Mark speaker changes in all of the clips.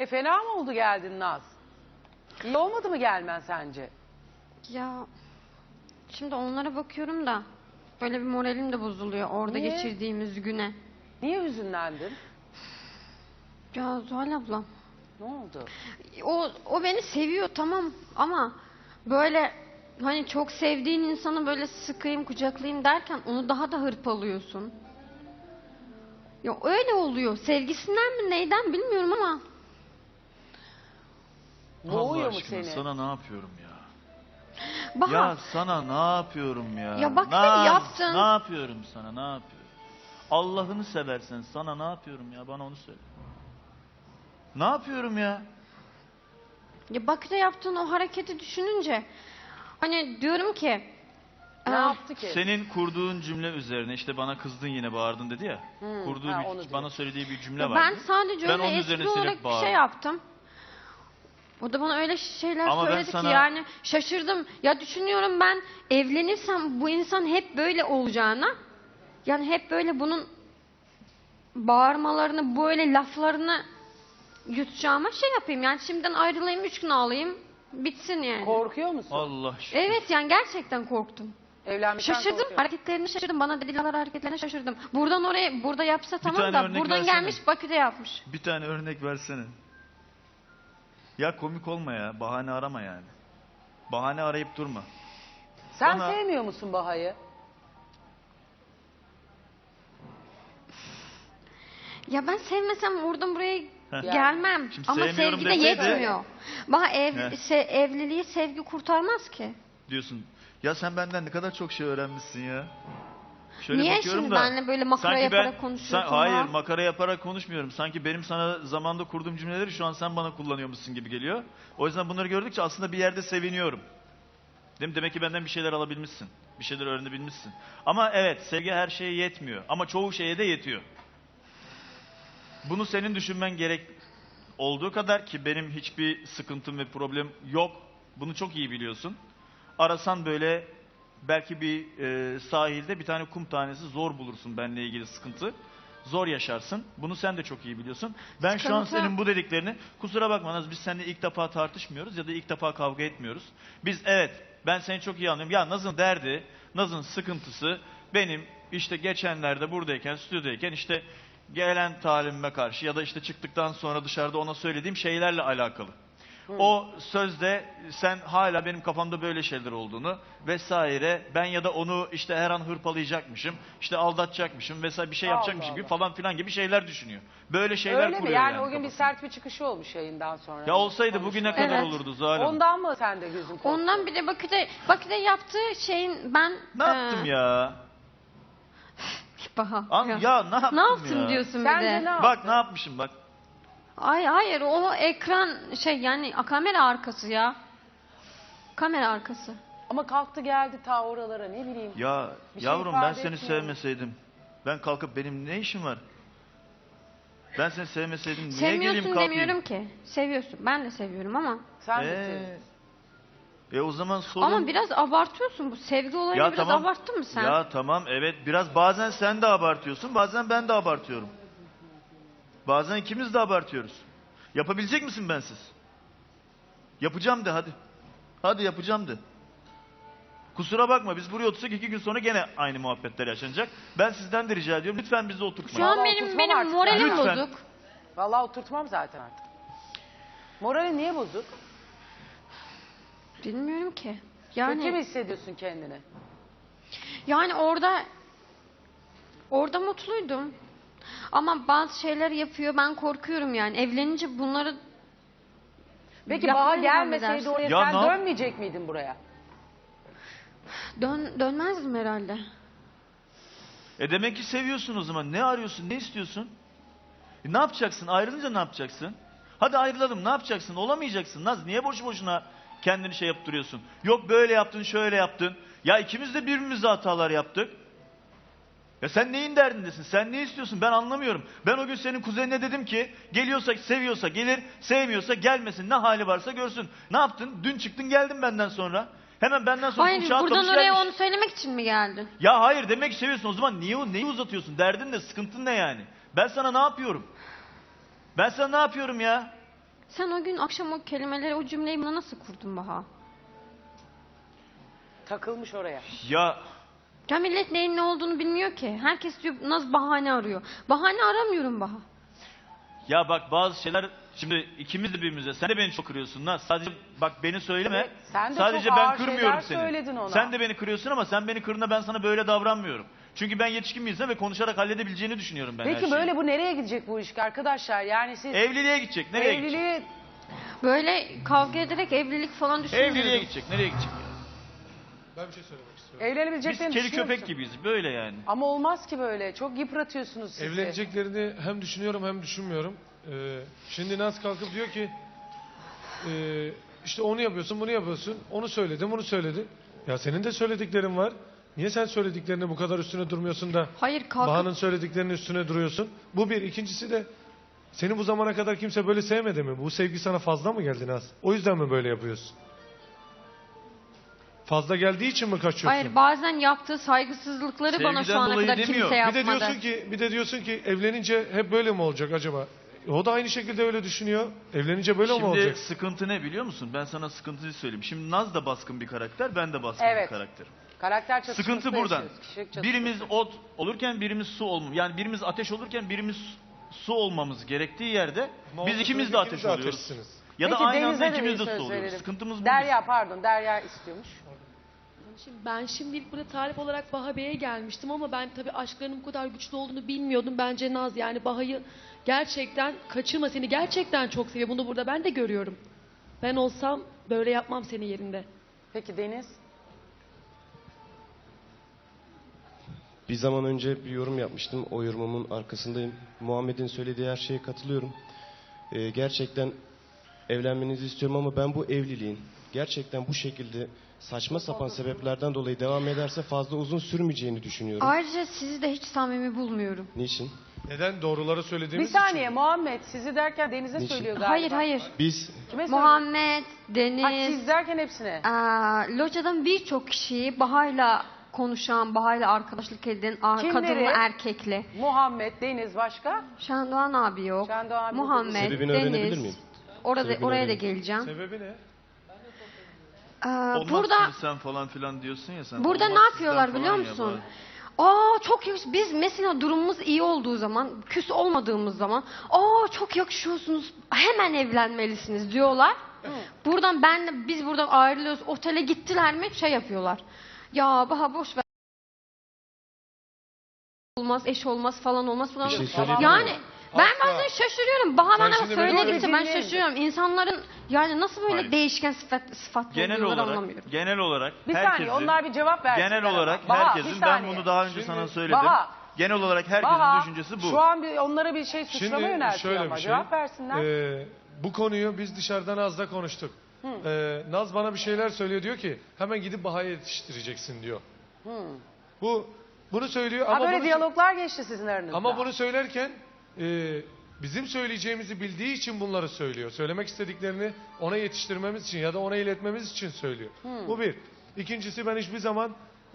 Speaker 1: Fena mı oldu geldin Naz? İyi olmadı mı gelmen sence?
Speaker 2: Ya şimdi onlara bakıyorum da böyle bir moralim de bozuluyor orada
Speaker 1: Niye?
Speaker 2: geçirdiğimiz güne.
Speaker 1: Niye hüzünlendin?
Speaker 2: Ya Zuhal abla,
Speaker 1: Ne oldu?
Speaker 2: o beni seviyor tamam ama böyle hani çok sevdiğin insanı böyle sıkayım kucaklayayım derken onu daha da hırpalıyorsun. Ya öyle oluyor. Sevgisinden mi neyden bilmiyorum ama.
Speaker 1: Boğuyor
Speaker 3: Allah
Speaker 1: mu
Speaker 3: aşkına
Speaker 1: seni?
Speaker 3: sana ne yapıyorum ya?
Speaker 2: Baha,
Speaker 3: Ya sana ne yapıyorum ya?
Speaker 2: Ya bak
Speaker 3: Naz,
Speaker 2: sen yaptın.
Speaker 3: Ne yapıyorum sana ne yapıyorum? Allah'ını seversen sana ne yapıyorum ya? Bana onu söyle. Ne yapıyorum ya?
Speaker 2: ya Bakü'de yaptığın o hareketi düşününce hani diyorum ki
Speaker 1: Ne yaptı ki?
Speaker 3: Senin kurduğun cümle üzerine işte bana kızdın yine bağırdın dedi ya. Kurduğu
Speaker 1: onu
Speaker 3: bana
Speaker 1: diyor.
Speaker 3: söylediği bir cümle
Speaker 2: ya
Speaker 3: vardı.
Speaker 2: ben sadece
Speaker 3: Ben
Speaker 2: öyle
Speaker 3: onun
Speaker 2: espri
Speaker 3: üzerine
Speaker 2: olarak
Speaker 3: silip
Speaker 2: bir
Speaker 3: bağırdım.
Speaker 2: şey yaptım. O da bana öyle şeyler
Speaker 3: Ama ben
Speaker 2: söyledi
Speaker 3: sana-
Speaker 2: ki yani şaşırdım. Ya düşünüyorum ben evlenirsem bu insan hep böyle olacağına yani hep böyle bunun bağırmalarını böyle laflarını yutacağıma şey yapayım. Yani şimdiden ayrılayım 3 gün ağlayayım bitsin yani.
Speaker 1: Korkuyor musun?
Speaker 3: Allah şükür.
Speaker 2: Evet yani gerçekten korktum.
Speaker 1: Evlenmekten
Speaker 2: Şaşırdım.
Speaker 1: korkuyor.
Speaker 2: Hareketlerini şaşırdım. Bana dediler hareketlerine şaşırdım. Buradan oraya burada yapsa tamam
Speaker 3: tane
Speaker 2: da
Speaker 3: örnek
Speaker 2: buradan
Speaker 3: versene.
Speaker 2: gelmiş Bakü'de yapmış.
Speaker 3: Bir tane örnek versene. Ya komik olma ya. Bahane arama yani. Bahane arayıp durma.
Speaker 1: Sen
Speaker 3: Bana-
Speaker 1: sevmiyor musun Baha'yı?
Speaker 2: Ya ben sevmesem oradan buraya
Speaker 3: Heh.
Speaker 2: gelmem.
Speaker 3: Şimdi
Speaker 2: Ama
Speaker 3: sevmiyorum
Speaker 2: sevgi de
Speaker 3: deseydi-
Speaker 2: yetmiyor. Bana
Speaker 3: Heh.
Speaker 2: evliliği sevgi kurtarmaz ki.
Speaker 3: Diyorsun. Ya sen benden ne kadar çok şey öğrenmişsin ya. Şöyle
Speaker 2: Niye
Speaker 3: bakıyorum
Speaker 2: şimdi
Speaker 3: da,
Speaker 2: benimle böyle makara
Speaker 3: sanki
Speaker 2: yaparak konuşuyorsun
Speaker 3: Hayır
Speaker 2: ha?
Speaker 3: makara yaparak konuşmuyorum. Sanki benim sana zamanda kurduğum cümleleri şu an sen bana kullanıyormuşsun gibi geliyor. O yüzden bunları gördükçe aslında bir yerde seviniyorum. Değil mi? Demek ki benden bir şeyler alabilmişsin. Bir şeyler öğrenebilmişsin. Ama evet sevgi her şeye yetmiyor. Ama çoğu şeye de yetiyor. Bunu senin düşünmen gerek olduğu kadar ki benim hiçbir sıkıntım ve problem yok. Bunu çok iyi biliyorsun. Arasan böyle belki bir sahilde bir tane kum tanesi zor bulursun benimle ilgili sıkıntı. Zor yaşarsın. Bunu sen de çok iyi biliyorsun. Ben şu an
Speaker 2: Sıkıntı-
Speaker 3: senin bu dediklerini kusura bakma Naz biz seninle ilk defa tartışmıyoruz ya da ilk defa kavga etmiyoruz. Biz evet ben seni çok iyi anlıyorum. Ya Naz'ın derdi, Naz'ın sıkıntısı benim işte geçenlerde buradayken, stüdyodayken işte gelen talimime karşı ya da işte çıktıktan sonra dışarıda ona söylediğim şeylerle alakalı. O sözde sen hala benim kafamda böyle şeyler olduğunu vesaire ben ya da onu işte her an hırpalayacakmışım, işte aldatacakmışım vesaire bir şey
Speaker 1: Allah
Speaker 3: yapacakmışım gibi
Speaker 1: Allah.
Speaker 3: falan filan gibi şeyler düşünüyor. Böyle şeyler
Speaker 1: Öyle mi?
Speaker 3: kuruyor
Speaker 1: Yani o gün bir
Speaker 3: kafasında.
Speaker 1: sert bir çıkışı olmuş yayından sonra.
Speaker 3: Ya olsaydı bugüne
Speaker 1: Konuşmaya.
Speaker 3: kadar
Speaker 2: Evet.
Speaker 3: olurdu Zuhal Hanım.
Speaker 1: Ondan mı sen de gözün korktu?
Speaker 2: Ondan bir de Bakü'de yaptığı şeyin ben...
Speaker 3: Ne yaptım ya?
Speaker 2: Baha.
Speaker 3: Ya ne yaptım
Speaker 2: Ne yaptın
Speaker 3: ya?
Speaker 2: diyorsun bir
Speaker 1: Sence
Speaker 2: de.
Speaker 1: ne yaptın?
Speaker 3: Bak ne yapmışım bak.
Speaker 2: Ay hayır o ekran şey yani kamera arkası ya. Kamera arkası.
Speaker 1: Ama kalktı geldi ta oralara ne bileyim.
Speaker 3: Ya
Speaker 1: Bir şey
Speaker 3: yavrum ben
Speaker 1: ifade
Speaker 3: seni
Speaker 1: etmiyor.
Speaker 3: sevmeseydim. Ben kalkıp benim ne işim var? Ben seni sevmeseydim niye geleyim
Speaker 2: Sevmiyorsun
Speaker 3: kalkayım?
Speaker 2: demiyorum ki. Seviyorsun. Ben de seviyorum ama.
Speaker 1: Sen de seviyorsun.
Speaker 3: O zaman sorun...
Speaker 2: Ama biraz abartıyorsun. Bu sevgi olayını biraz abarttın mı sen?
Speaker 3: Ya tamam evet biraz bazen sen de abartıyorsun bazen ben de abartıyorum. Bazen ikimiz de abartıyoruz. Yapabilecek misin bensiz? Yapacağım de hadi. Hadi yapacağım de. Kusura bakma biz buraya otursak 2 gün sonra gene aynı muhabbetler yaşanacak. Ben sizden de rica ediyorum lütfen bizi oturtmayın.
Speaker 2: Şu an
Speaker 1: Vallahi
Speaker 2: benim
Speaker 1: oturtmam artık
Speaker 2: moralim
Speaker 3: Lütfen.
Speaker 2: bozuk.
Speaker 1: Vallahi oturtmam zaten artık. Morali niye bozuk?
Speaker 2: Bilmiyorum ki.
Speaker 1: Kötü mü
Speaker 2: Yani
Speaker 1: hissediyorsun kendini?
Speaker 2: yani orada mutluydum. Ama bazı şeyler yapıyor. Ben korkuyorum yani. Evlenince bunları
Speaker 1: Peki
Speaker 2: yapmaya
Speaker 1: Baha
Speaker 2: devam
Speaker 1: gelmeseydi
Speaker 2: edersin.
Speaker 1: oraya
Speaker 3: Ya
Speaker 1: sen
Speaker 3: ne-
Speaker 1: dönmeyecek miydin buraya?
Speaker 2: Dönmezdim herhalde.
Speaker 3: Demek ki seviyorsun o zaman. Ne arıyorsun? Ne istiyorsun? Ne yapacaksın? Ayrılınca ne yapacaksın? Hadi ayrılalım. Ne yapacaksın? Olamayacaksın. Naz niye boşu boşuna kendini şey yaptırıyorsun? Yok böyle yaptın, şöyle yaptın. Ya ikimiz de birbirimize hatalar yaptık. Ya sen neyin derdindesin? Sen ne istiyorsun? Ben anlamıyorum. Ben o gün senin kuzenine dedim ki geliyorsa seviyorsa gelir, sevmiyorsa gelmesin. Ne hali varsa görsün. Ne yaptın? Dün çıktın geldin benden sonra. Hemen benden sonra
Speaker 2: Hayır
Speaker 3: uçağa
Speaker 2: buradan
Speaker 3: atlamış
Speaker 2: oraya
Speaker 3: gelmiş.
Speaker 2: onu söylemek için mi geldin?
Speaker 3: Ya hayır demek ki seviyorsun. O zaman neyi uzatıyorsun? Derdin ne? Sıkıntın ne yani? Ben sana ne yapıyorum? Ben sana ne yapıyorum ya?
Speaker 2: Sen o gün akşam o kelimeleri, o cümleyi bana nasıl kurdun Baha?
Speaker 1: Takılmış oraya.
Speaker 3: Ya
Speaker 2: Ya millet neyin ne olduğunu bilmiyor ki. Herkes diyor Naz bahane arıyor. Bahane aramıyorum Baha.
Speaker 3: Ya bak bazı şeyler, şimdi ikimiz de birbirimize, sen de beni çok kırıyorsun lan. Sadece bak beni söyleme.
Speaker 1: Evet, sen de
Speaker 3: sadece
Speaker 1: çok
Speaker 3: ben
Speaker 1: ağır
Speaker 3: kırmıyorum
Speaker 1: şeyler söyledin
Speaker 3: seni.
Speaker 1: ona.
Speaker 3: Sen de beni kırıyorsun ama sen beni kırdığında ben sana böyle davranmıyorum. Çünkü ben yetişkin bir insanım ve konuşarak halledebileceğini düşünüyorum ben her
Speaker 1: Peki
Speaker 3: şeyi.
Speaker 1: böyle bu nereye gidecek bu ilişki arkadaşlar? Yani siz
Speaker 3: Evliliğe gidecek. Nereye gidecek?
Speaker 1: evliliği
Speaker 2: Böyle kavga ederek evlilik falan düşünmüyorum.
Speaker 3: Evliliğe gidecek. Nereye gidecek ya?
Speaker 4: Ben bir şey söylemek istiyorum.
Speaker 3: Biz
Speaker 1: evlenebileceklerini
Speaker 3: kedi
Speaker 1: düşünüyor
Speaker 3: köpek
Speaker 1: musun?
Speaker 3: gibiyiz. Böyle yani.
Speaker 1: Ama olmaz ki böyle. Çok yıpratıyorsunuz sizi.
Speaker 4: Evleneceklerini hem düşünüyorum hem düşünmüyorum. Şimdi Naz kalkıp diyor ki işte onu yapıyorsun, bunu yapıyorsun. Onu söyledim, bunu söyledin. Ya senin de söylediklerin var. Niye sen söylediklerine bu kadar üstüne durmuyorsun da
Speaker 2: Hayır kalkıp
Speaker 4: Baha'nın söylediklerinin üstüne duruyorsun? Bu bir. İkincisi de seni bu zamana kadar kimse böyle sevmedi mi? Bu sevgi sana fazla mı geldi Naz? O yüzden mi böyle yapıyorsun? Fazla geldiği için mi kaçıyorsun?
Speaker 2: hayır bazen yaptığı saygısızlıkları bana şu
Speaker 3: Sevgiden
Speaker 2: ana
Speaker 3: dolayı
Speaker 2: kadar
Speaker 3: demiyor.
Speaker 2: kimse
Speaker 4: Bir de
Speaker 2: yapmadı.
Speaker 4: diyorsun ki evlenince hep böyle mi olacak acaba? O da aynı şekilde öyle düşünüyor. Evlenince böyle mi
Speaker 3: Şimdi
Speaker 4: olacak?
Speaker 3: sıkıntı ne biliyor musun? Ben sana sıkıntıyı söyleyeyim. Şimdi Naz da baskın bir karakter, ben de baskın
Speaker 1: Evet.
Speaker 3: bir karakterim.
Speaker 1: Karakter çatışması
Speaker 3: Sıkıntı buradan.
Speaker 1: yaşıyoruz, kişilik çatışması.
Speaker 3: Birimiz ot olurken birimiz su olmam. Yani birimiz ateş olurken birimiz su olmamız gerektiği yerde
Speaker 4: Ama
Speaker 3: biz
Speaker 4: olsun
Speaker 3: ikimiz
Speaker 4: ki
Speaker 3: de
Speaker 4: ikiniz
Speaker 3: ateş
Speaker 4: de
Speaker 3: oluyoruz.
Speaker 4: ateşsiniz.
Speaker 3: Ya da
Speaker 1: Peki,
Speaker 3: aynı
Speaker 1: Deniz'e
Speaker 3: anda
Speaker 1: de
Speaker 3: ikimiz
Speaker 1: bir
Speaker 3: de
Speaker 1: söz
Speaker 3: su oluyoruz.
Speaker 1: verelim.
Speaker 3: Sıkıntımız bu.
Speaker 1: Derya pardon, Derya istiyormuş.
Speaker 5: Ben şimdilik burada tarif olarak Baha Bey'e gelmiştim ama ben tabii aşklarının bu kadar güçlü olduğunu bilmiyordum. Bence Naz yani Baha'yı gerçekten kaçırma, seni gerçekten çok seviyor. Bunu burada ben de görüyorum. Ben olsam böyle yapmam senin yerinde.
Speaker 1: Peki Deniz?
Speaker 6: Bir zaman önce bir yorum yapmıştım. O yorumumun arkasındayım. Muhammed'in söylediği her şeye katılıyorum. Gerçekten evlenmenizi istiyorum ama ben bu evliliğin gerçekten bu şekilde saçma sapan sebeplerden dolayı devam ederse fazla uzun sürmeyeceğini düşünüyorum.
Speaker 2: Ayrıca sizi de hiç samimi bulmuyorum.
Speaker 6: Niçin?
Speaker 4: Neden? Doğruları
Speaker 1: Bir
Speaker 4: söylediğimiz
Speaker 1: saniye
Speaker 4: için.
Speaker 1: Muhammed sizi derken Deniz'e
Speaker 6: Niçin?
Speaker 1: söylüyor galiba.
Speaker 2: Hayır hayır.
Speaker 6: Biz
Speaker 1: Kime söylüyor?
Speaker 2: Muhammed,
Speaker 1: Ha,
Speaker 2: Deniz,
Speaker 1: siz derken hepsine.
Speaker 2: locadan birçok kişiyi Baha'yla konuşan, Baha'yla arkadaşlık eden,
Speaker 1: Kimleri?
Speaker 2: kadınlı erkekli.
Speaker 1: Muhammed, Deniz başka?
Speaker 2: Şendoğan abi yok.
Speaker 1: Şendoğan abi
Speaker 2: Muhammed,
Speaker 6: Sebebini öğrenebilir
Speaker 2: Deniz.
Speaker 6: miyim?
Speaker 2: Orada,
Speaker 6: Sebebini
Speaker 2: oraya da
Speaker 6: öğreneyim.
Speaker 2: geleceğim.
Speaker 4: Sebebi ne?
Speaker 3: Olmaz
Speaker 2: Burada
Speaker 3: şimdi sen falan filan diyorsun ya sen.
Speaker 2: burada
Speaker 3: Olmaz
Speaker 2: ne
Speaker 3: sizden
Speaker 2: yapıyorlar
Speaker 3: falan
Speaker 2: biliyor
Speaker 3: ya
Speaker 2: musun?
Speaker 3: bari.
Speaker 2: Çok yakış. Biz mesela durumumuz iyi olduğu zaman, küs olmadığımız zaman, çok yakışıyorsunuz, hemen evlenmelisiniz diyorlar. Buradan biz buradan ayrılıyoruz. Otele gittiler mi şey yapıyorlar. Ya Baha boş ver. Olmaz, eş olmaz falan olmaz falan.
Speaker 6: Bir şey söyleyeyim mi?
Speaker 2: Yani ben
Speaker 4: Asla.
Speaker 2: bazen şaşırıyorum. Baha
Speaker 4: Sen
Speaker 2: bana
Speaker 4: şimdi
Speaker 2: söyledikçe ben
Speaker 1: dinleyin.
Speaker 2: şaşırıyorum. İnsanların yani nasıl böyle
Speaker 3: Hayır.
Speaker 2: değişken sıfatlı
Speaker 3: Genel
Speaker 2: oluyorlar
Speaker 3: olarak,
Speaker 2: anlamıyorum.
Speaker 3: genel olarak
Speaker 1: Bir
Speaker 3: herkesin,
Speaker 1: saniye onlar bir cevap versinler.
Speaker 3: genel
Speaker 1: ama.
Speaker 3: olarak
Speaker 1: Baha,
Speaker 3: herkesin,
Speaker 1: bir
Speaker 3: ben
Speaker 1: saniye.
Speaker 3: bunu daha önce
Speaker 4: Şimdi-
Speaker 3: sana söyledim.
Speaker 1: Baha.
Speaker 3: Genel olarak herkesin
Speaker 1: Baha,
Speaker 3: düşüncesi bu.
Speaker 1: şu an onlara bir şey suçlama
Speaker 4: Şimdi
Speaker 1: yöneltiyor
Speaker 4: şöyle
Speaker 1: ama
Speaker 4: bir şey.
Speaker 1: cevap versinler.
Speaker 4: Bu konuyu biz dışarıdan Naz'la konuştuk. Naz bana bir şeyler söylüyor, diyor ki hemen gidip Baha'ya yetiştireceksin diyor. Bunu söylüyor
Speaker 1: Ha
Speaker 4: ama
Speaker 1: böyle
Speaker 4: bunu,
Speaker 1: diyaloglar geçti sizin aranızda.
Speaker 4: ama bunu söylerken bizim söyleyeceğimizi bildiği için bunları söylüyor. Söylemek istediklerini ona yetiştirmemiz için ya da ona iletmemiz için söylüyor. Bu bir. İkincisi, ben hiçbir zaman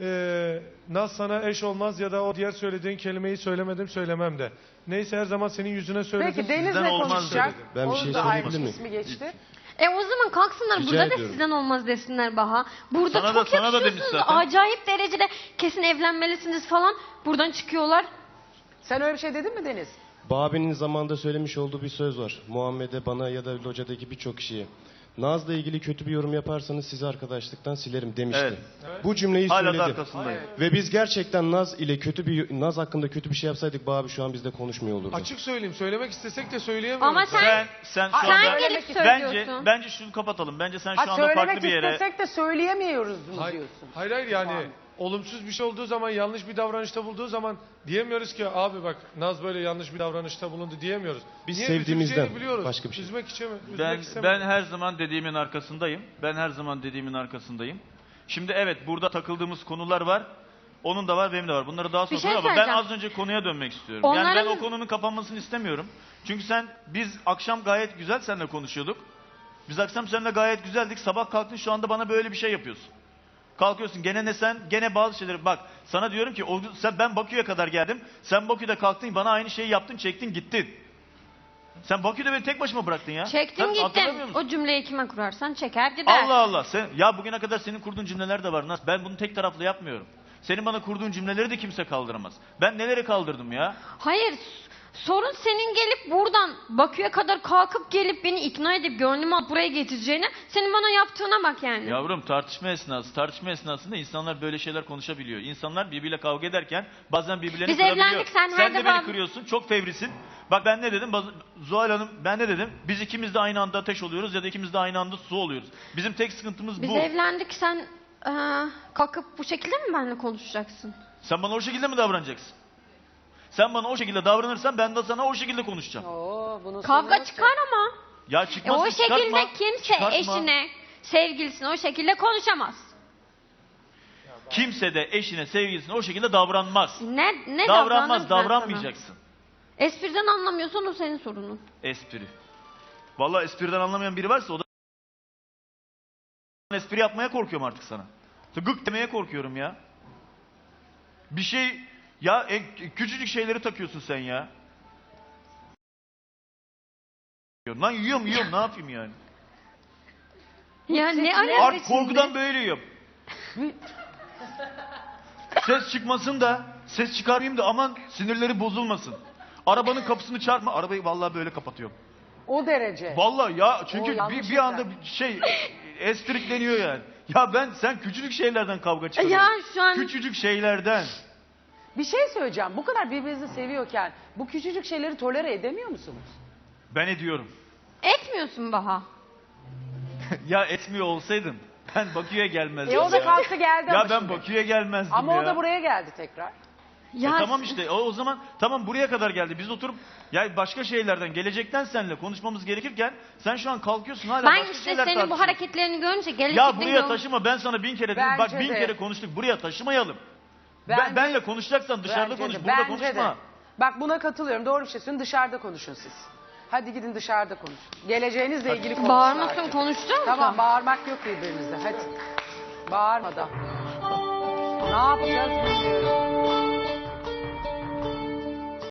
Speaker 4: Naz sana eş olmaz ya da o diğer söylediğin kelimeyi söylemedim, söylemem de. Neyse, her zaman senin yüzüne söyledim.
Speaker 1: Peki Deniz
Speaker 3: Sizden
Speaker 1: ne
Speaker 3: olmaz
Speaker 1: konuşacak?
Speaker 3: dedim.
Speaker 6: Ben bir
Speaker 1: Onun
Speaker 6: şey
Speaker 1: da
Speaker 6: söyleyebilir
Speaker 1: ayrı
Speaker 6: miyim?
Speaker 1: ismi geçti.
Speaker 2: O zaman kalksınlar
Speaker 6: Rica
Speaker 2: burada da
Speaker 6: ediyorum.
Speaker 2: sizden olmaz desinler Baha. Burada
Speaker 3: Sana da-
Speaker 2: çok
Speaker 3: sana da demiş
Speaker 2: yakışıyorsunuz.
Speaker 3: zaten.
Speaker 2: Acayip derecede kesin evlenmelisiniz falan. Buradan çıkıyorlar.
Speaker 1: Sen öyle bir şey dedin mi Deniz?
Speaker 6: Babi'nin zamanında söylemiş olduğu bir söz var. Muhammed'e, bana ya da locadaki birçok kişiye. Naz'la ilgili kötü bir yorum yaparsanız sizi arkadaşlıktan silerim demişti.
Speaker 3: Evet.
Speaker 6: Bu cümleyi
Speaker 3: Hala da
Speaker 6: söyledi.
Speaker 3: arkasındayım.
Speaker 6: Ve biz gerçekten Naz hakkında kötü bir şey yapsaydık Babi şu an bizde konuşmuyor olurdu.
Speaker 4: Açık söyleyeyim, söylemek istesek de söyleyemiyoruz.
Speaker 2: Ama sen
Speaker 3: Sen şu
Speaker 1: Sen
Speaker 3: anda
Speaker 2: gelip
Speaker 3: bence
Speaker 2: söylüyorsun.
Speaker 3: bence şunu kapatalım. Bence sen
Speaker 1: Ha
Speaker 3: şu anda farklı
Speaker 1: söylemek
Speaker 3: bir yere
Speaker 1: istesek de söyleyemiyoruz mu
Speaker 4: Hayır,
Speaker 1: diyorsun?
Speaker 4: hayır yani olumsuz bir şey olduğu zaman, yanlış bir davranışta bulduğu zaman diyemiyoruz ki abi bak Naz böyle yanlış bir davranışta bulundu diyemiyoruz.
Speaker 6: Biz
Speaker 4: Niye?
Speaker 6: sevdiğimizden
Speaker 4: Üzüleceğini biliyoruz.
Speaker 6: başka bir şey.
Speaker 4: Üzmek istemiyoruz.
Speaker 3: ben her zaman dediğimin arkasındayım. Ben her zaman dediğimin arkasındayım. Şimdi evet, burada takıldığımız konular var. Onun da var, benim de var. Bunları daha sonra
Speaker 2: şey
Speaker 3: konuşalım ama ben
Speaker 2: söyleyeceğim.
Speaker 3: az önce konuya dönmek istiyorum. Yani ben
Speaker 2: Onların-
Speaker 3: o konunun kapanmasını istemiyorum. Çünkü biz akşam gayet güzel seninle konuşuyorduk. Biz akşam seninle gayet güzeldik. Sabah kalktın, şu anda bana böyle bir şey yapıyorsun. Kalkıyorsun gene bazı şeyleri, bak sana diyorum ki ben Bakü'ye kadar geldim. Sen Bakü'de kalktın, bana aynı şeyi yaptın, çektin, gittin. Sen Bakü'de beni tek başıma bıraktın ya.
Speaker 2: Çektim
Speaker 3: Sen hatırlamıyor
Speaker 2: gittim.
Speaker 3: musun?
Speaker 2: O cümleyi kime kurarsan çeker gider.
Speaker 3: Allah Allah. Ya bugüne kadar senin kurduğun cümleler de var. Nasıl? Ben bunu tek taraflı yapmıyorum. Senin bana kurduğun cümleleri de kimse kaldıramaz. Ben neleri kaldırdım ya?
Speaker 2: Hayır, sorun senin gelip buradan Bakü'ye kadar kalkıp gelip beni ikna edip gönlümü alıp buraya getireceğine, senin bana yaptığına bak yani.
Speaker 3: Yavrum tartışma esnasında insanlar böyle şeyler konuşabiliyor. İnsanlar birbiriyle kavga ederken bazen birbirlerini
Speaker 2: Biz
Speaker 3: kırabiliyor.
Speaker 2: evlendik, sen her
Speaker 3: de beni
Speaker 2: defa-
Speaker 3: kırıyorsun, çok fevrisin. Bak ben ne dedim? Zuhal Hanım ben ne dedim? Biz ikimiz de aynı anda ateş oluyoruz ya da ikimiz de aynı anda su oluyoruz. Bizim tek sıkıntımız
Speaker 2: Biz
Speaker 3: bu.
Speaker 2: evlendik, sen kalkıp bu şekilde mi benimle konuşacaksın?
Speaker 3: Sen bana o şekilde mi davranacaksın? Sen bana o şekilde davranırsan ben de sana o şekilde konuşacağım.
Speaker 1: Oo, bunun
Speaker 2: Kavga
Speaker 1: sonu
Speaker 2: çıkar ama.
Speaker 3: Ya
Speaker 2: O
Speaker 3: çıkmasın
Speaker 2: şekilde
Speaker 3: çıkartma.
Speaker 2: kimse
Speaker 3: Çıkartma.
Speaker 2: eşine, sevgilisine o şekilde konuşamaz.
Speaker 3: Kimse de eşine, sevgilisine o şekilde davranmaz.
Speaker 2: Ne
Speaker 3: Davranmaz,
Speaker 2: davranırım ben
Speaker 3: davranmayacaksın.
Speaker 2: sana? Espriden anlamıyorsan o senin sorunun.
Speaker 3: Espri. Vallahi espriden anlamayan biri varsa o da espri yapmaya korkuyorum artık sana. Gık demeye korkuyorum ya. Bir şey ya küçücük şeyleri takıyorsun sen ya. Lan yiyorum ne yapayım yani?
Speaker 2: Ya ne
Speaker 1: Evet,
Speaker 3: Artık
Speaker 1: şimdi.
Speaker 3: korkudan böyle yiyorum. Ses çıkmasın da ses çıkarmayayım da aman sinirleri bozulmasın. Arabanın kapısını çarpma. Arabayı vallahi böyle kapatıyorum.
Speaker 1: O derece.
Speaker 3: Vallahi ya
Speaker 1: O
Speaker 3: çünkü
Speaker 1: yanlış
Speaker 3: bir anda bir şey estrikleniyor yani. Ya sen küçücük şeylerden kavga çıkarıyorsun.
Speaker 2: Ya şu an-
Speaker 3: Küçücük şeylerden.
Speaker 1: Bir şey söyleyeceğim. Bu kadar birbirinizi seviyorken bu küçücük şeyleri tolere edemiyor musunuz?
Speaker 3: Ben ediyorum.
Speaker 2: Etmiyorsun Baha.
Speaker 3: Ya etmiyor olsaydım ben Bakü'ye gelmezdim
Speaker 1: O da
Speaker 3: ya.
Speaker 1: kalktı geldi
Speaker 3: Ya
Speaker 1: ama
Speaker 3: ben
Speaker 1: şimdi.
Speaker 3: Bakü'ye gelmezdim
Speaker 1: Ama
Speaker 3: ya.
Speaker 1: o da buraya geldi tekrar.
Speaker 2: Ya
Speaker 3: Tamam işte o zaman tamam buraya kadar geldi. Biz oturup ya başka şeylerden gelecekten seninle konuşmamız gerekirken sen şu an kalkıyorsun hala
Speaker 2: ben
Speaker 3: başka
Speaker 2: işte
Speaker 3: şeyler
Speaker 2: senin bu
Speaker 3: tartışıyorsun.
Speaker 2: hareketlerini görünce gelecekten
Speaker 3: Ya buraya taşıma ben sana 1000 kere dedim. Bak
Speaker 1: Bence
Speaker 3: 1000
Speaker 1: de.
Speaker 3: kere konuştuk buraya taşımayalım.
Speaker 1: Bence-
Speaker 3: Benle konuşacaksan dışarıda
Speaker 1: Bence
Speaker 3: konuş
Speaker 1: de,
Speaker 3: burada
Speaker 1: bence
Speaker 3: konuşma.
Speaker 1: de. Bak buna katılıyorum. Doğru bir şey söylüyorsun. Dışarıda konuşun siz. Hadi gidin dışarıda konuşun. Geleceğinizle ilgili konuşun.
Speaker 2: Bağırmasın,
Speaker 1: artık.
Speaker 2: konuştun mu
Speaker 1: Tamam
Speaker 2: sen?
Speaker 1: bağırmak yok birbirinizle. Hadi. Bağırmadan. Ne yapacağız bilmiyorum.